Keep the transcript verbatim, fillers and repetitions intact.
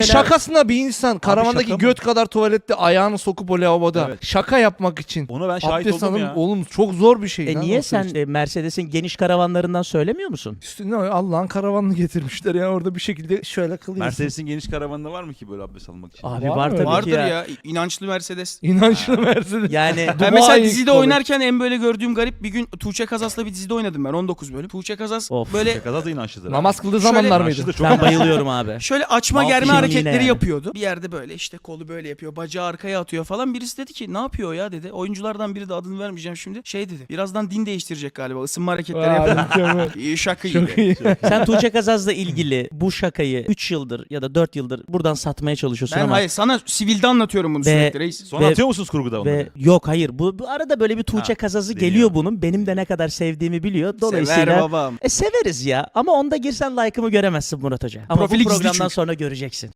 Şakasına bir insan karavandaki şaka mı? göt kadar tuvalette ayağını sokup o lavaboda Evet. şaka yapmak için. Ona ben şahit Abdest oldum alın, ya. oğlum çok zor bir şey. E lan niye o sen süreçte. e, Mercedes'in geniş karavanlarından söylemiyor musun? Üstüne Allah'ın karavanını getirmişler yani orada bir şekilde şöyle kılıyorsun. Mercedes'in geniş karavanında var mı ki böyle abdest almak için? Abi Var var, mı? tabii Vardır ki ya. ya. inançlı Mercedes. İnançlı Mercedes. Yani Ben mesela Dubai dizide College. oynarken en böyle gördüğüm garip bir gün Tuğçe Kazas'la bir dizide oynadım ben on dokuz bölüm. Tuğçe Kazas Of. böyle Şakada da inançlıdır. Namaz kıldığı Şöyle- zamanlar İnançlı mıydı? da çok ben bayılıyorum abi. şöyle açma Mal germe kimliğine hareketleri yani. yapıyordu. Bir yerde böyle işte kolu böyle yapıyor, bacağı arkaya atıyor falan. Birisi dedi ki ne yapıyor ya dedi. Oyunculardan biri de adını vermeyeceğim şimdi. Şey dedi. Birazdan din değiştirecek galiba. Isınma hareketleri Aa, yapıyor. mükemmel. İyi şaka Çok gibi. iyi. Sen Tuğçe Kazaz'la ilgili bu şakayı üç yıldır ya da dört yıldır buradan satmaya çalışıyorsun Ben ama hayır sana sivilde anlatıyorum bunu Ve- sürekli reis. Sonra Ve- atıyor musunuz kurguda onları? ve yok hayır bu, bu arada böyle bir Tuğçe Ha, Kazaz'ı deniyor. geliyor bunun. Benim de ne kadar sevdiğimi biliyor. Dolayısıyla Sever babam. E severiz ya ama onda girsen like'ımı göremezsin Murat Hoca. Ama Profili bu gizli programdan çünkü. sonra göreceksin.